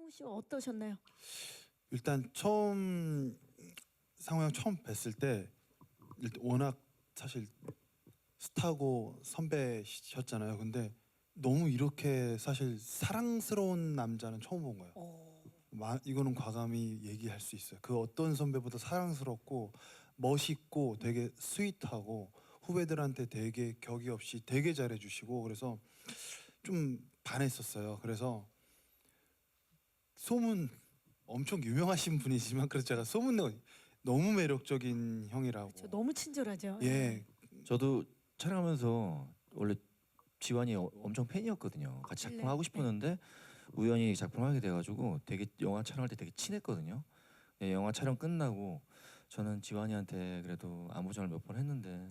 씨와 어떠셨나요? 일단 처음 상호 형 처음 뵀을 때 일단 워낙 사실 스타고 선배셨잖아요. 근데 너무 이렇게 사실 사랑스러운 남자는 처음 본 거예요. 이거는 과감히 얘기할 수 있어요. 그 어떤 선배보다 사랑스럽고 멋있고 되게 스윗하고 후배들한테 되게 격이 없이 되게 잘해주시고 그래서 좀 반했었어요. 그래서 소문 엄청 유명하신 분이지만 그래서 제가 소문내고 너무 매력적인 형이라고. 저 너무 친절하죠. 예, 저도 촬영하면서 원래 지환이 엄청 팬이었거든요. 같이 네, 작품하고 싶었는데 우연히 작품을 하게 돼가지고 되게 영화 촬영할 때 되게 친했거든요. 예, 영화 촬영 끝나고 저는 지환이한테 그래도 안부 전화를 몇 번 했는데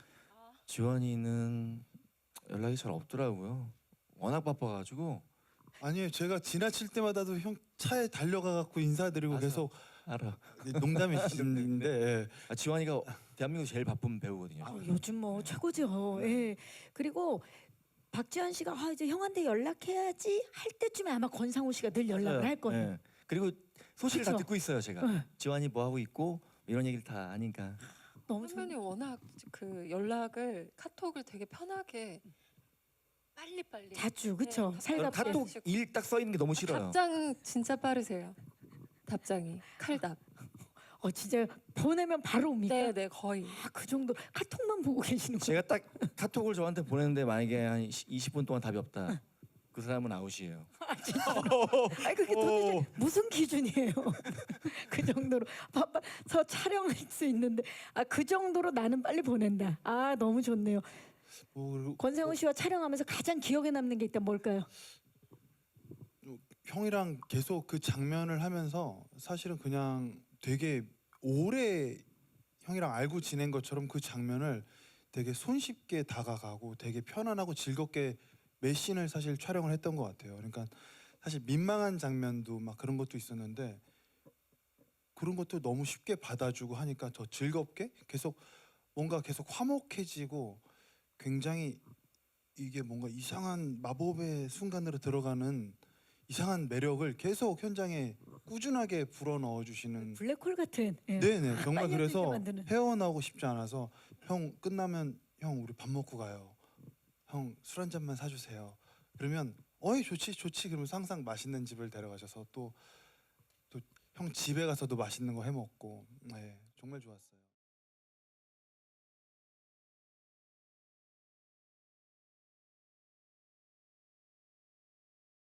지환이는 연락이 잘 없더라고요. 워낙 바빠가지고. 아니에요. 제가 지나칠 때마다도 형 차에 달려가 갖고 인사드리고 맞아. 계속 알아. 농담이신데 예. 지환이가 대한민국 제일 바쁜 배우거든요. 요즘 뭐 최고죠. 예. 그리고 박지현 씨가 이제 형한테 연락해야지 할 때쯤에 아마 권상우 씨가 늘 연락을 할 거예요. 네. 그리고 소식을 다 그쵸? 듣고 있어요 제가. 네. 지환이 뭐 하고 있고 이런 얘기를 다 아니까. 너무 선배님 워낙 그 연락을 카톡을 되게 편하게 빨리빨리 자주 그쵸? 네, 살갑게. 카톡 일 딱 써 있는 게 너무 싫어요. 답장 진짜 빠르세요. 답장이 칼답. 진짜 보내면 바로 옵니까? 네네 거의. 그 정도 카톡만 보고 계시는 거예요. 제가 딱 카톡을 저한테 보냈는데 만약에 한 20분 동안 답이 없다. 그 사람은 아웃이에요. 그게 도대체 무슨 기준이에요? 그 정도로 바빠서 촬영할 수 있는데 그 정도로 나는 빨리 보낸다. 너무 좋네요. 그리고 권상우 씨와 촬영하면서 가장 기억에 남는 게 있다면 뭘까요? 형이랑 계속 그 장면을 하면서 사실은 그냥 되게 오래 형이랑 알고 지낸 것처럼 그 장면을 되게 손쉽게 다가가고 되게 편안하고 즐겁게 몇 씬을 사실 촬영을 했던 것 같아요. 그러니까 사실 민망한 장면도 막 그런 것도 있었는데 그런 것도 너무 쉽게 받아주고 하니까 더 즐겁게 계속 뭔가 계속 화목해지고 굉장히 이게 뭔가 이상한 마법의 순간으로 들어가는 이상한 매력을 계속 현장에 꾸준하게 불어 넣어 주시는. 블랙홀 같은. 예. 네네 정말 빨리 그래서 흘리게 만드는. 헤어나오고 싶지 않아서 형 끝나면 형 우리 밥 먹고 가요. 형 술 한 잔만 사주세요. 그러면 어이 좋지 그러면서 항상 맛있는 집을 데려가셔서 또 형 집에 가서도 맛있는 거 해 먹고 네 정말 좋았어요.